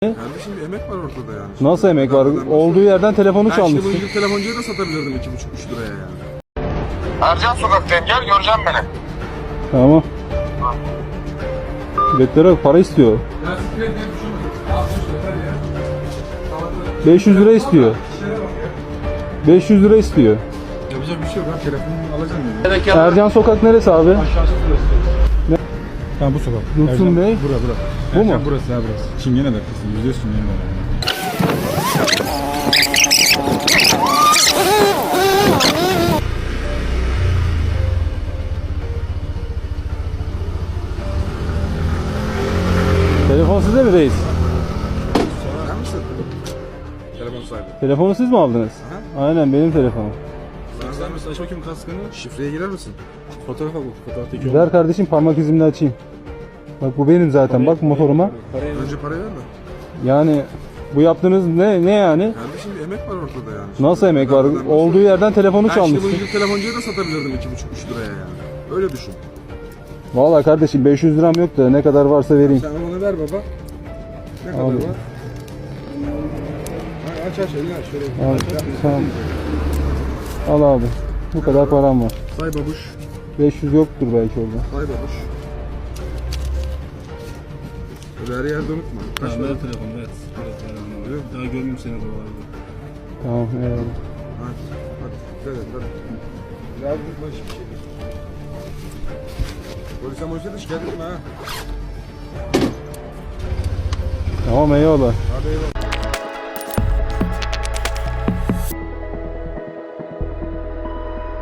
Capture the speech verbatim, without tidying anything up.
Kardeşim bir emek var ortada yani. Nasıl emek var? Bedavadan Olduğu nasıl- yerden telefonu Ben çalmışsın. şimdi bu İngiliz telefoncuya da satabilirdim iki buçuk üç liraya yani. Ercan sokaktayım, gel göreceğim beni. Tamam. Biletlere bak, para istiyor. beş yüz lira istiyor. beş yüz lira istiyor. Yapacak bir şey yok abi, telefonumu alacağım yani. Ercan Sokak neresi abi? Ha bu sokak. Dursun Ercan- Bey. Bura bura. Bu Ercan mu? burası ha burası. Çingene dakikası. Yüzde yüz çingene dakikası. Telefon sizde mi reis? Sen misin? Telefon sahibi. Telefonu siz mi aldınız? Aynen benim telefonum. Sen sen misin? Aç bakayım kaskını. Şifreye girer misin? Fotoğrafa bak. Fotoğraftaki Ver kardeşim, parmak izimle açayım. Bak bu benim zaten, bak motoruma. Önce parayı ver de. Yani bu yaptığınız ne ne yani? Kardeşim bir emek var ortada yani. Nasıl emek var? Bedavadan Olduğu nasıl- yerden telefonu Ben şimdi bu çalmışsın. İngiliz telefoncuya da satabilirdim iki buçuk üç liraya yani. Öyle düşün. Vallahi kardeşim beş yüz liram yok da ne kadar varsa vereyim. Sen onu ver baba. Ne kadar Abi. var? Ha, aç aç elini aç. Şöyle Al, aç, aç. tamam. Al abi. Bu kadar param var. Say babuş. beş yüz yoktur belki orada. Say babuş. Öyle her yerde unutma. Kaç Tamam para? ver telefonu ver. Evet, daha görmeyeyim seni buralarda. Tamam eyvallah. Hadi. Hadi. Dikkat et hadi. Biraz unutma hiçbir şey. Polise molise de şikayet etme ha. Tamam eyvallah. Hadi eyvallah.